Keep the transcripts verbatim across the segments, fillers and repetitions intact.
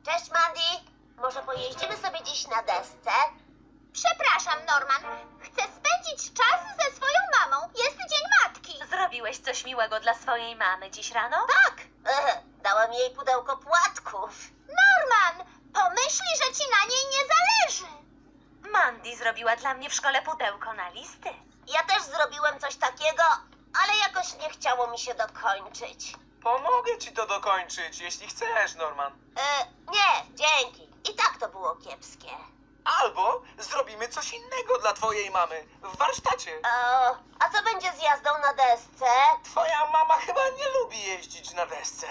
Cześć, Mandy. Może pojeździmy sobie dziś na desce? Przepraszam, Norman. Chcę spędzić czas ze swoją mamą. Jest Dzień Matki. Zrobiłeś coś miłego dla swojej mamy dziś rano? Tak. E, dałem jej pudełko płatków. Norman, pomyśli, że ci na niej nie zależy. Mandy zrobiła dla mnie w szkole pudełko na listy. Ja też zrobiłem coś takiego, ale jakoś nie chciało mi się dokończyć. Pomogę ci to dokończyć, jeśli chcesz, Norman. E, nie, dzięki. I tak to było kiepskie. Albo zrobimy coś innego dla twojej mamy w warsztacie. O, a co będzie z jazdą na desce? Twoja mama chyba nie lubi jeździć na desce.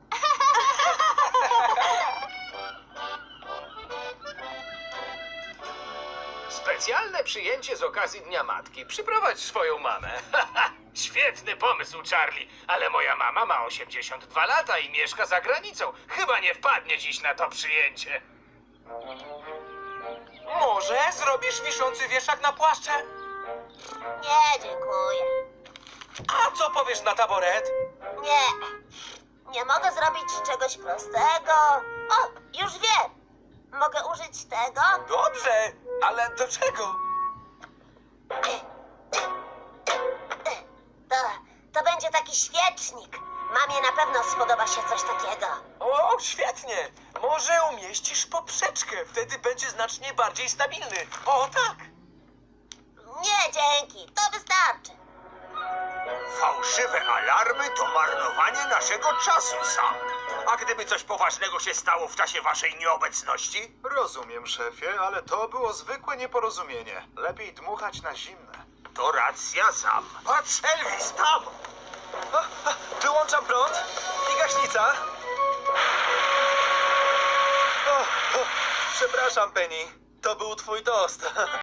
Specjalne przyjęcie z okazji Dnia Matki. Przyprowadź swoją mamę. Świetny pomysł, Charlie, ale moja mama ma osiemdziesiąt dwa lata i mieszka za granicą. Chyba nie wpadnie dziś na to przyjęcie. Może zrobisz wiszący wieszak na płaszcze? Nie, dziękuję. A co powiesz na taboret? Nie. Nie mogę zrobić czegoś prostego. O, już wiem. Mogę użyć tego? Dobrze, ale do czego? To, to będzie taki świecznik. Mamie na pewno spodoba się coś takiego. O, świetnie. Może umieścisz poprzeczkę, wtedy będzie znacznie bardziej stabilny. O, tak. Nie, dzięki. To wystarczy. Fałszywe alarmy to marnowanie naszego czasu, Sam. A gdyby coś poważnego się stało w czasie waszej nieobecności? Rozumiem, szefie, ale to było zwykłe nieporozumienie. Lepiej dmuchać na zimne. To racja, Sam. Patrz, Elvis, tam! Wyłączam prąd i gaśnica. O, o, przepraszam, Penny. To był twój tost.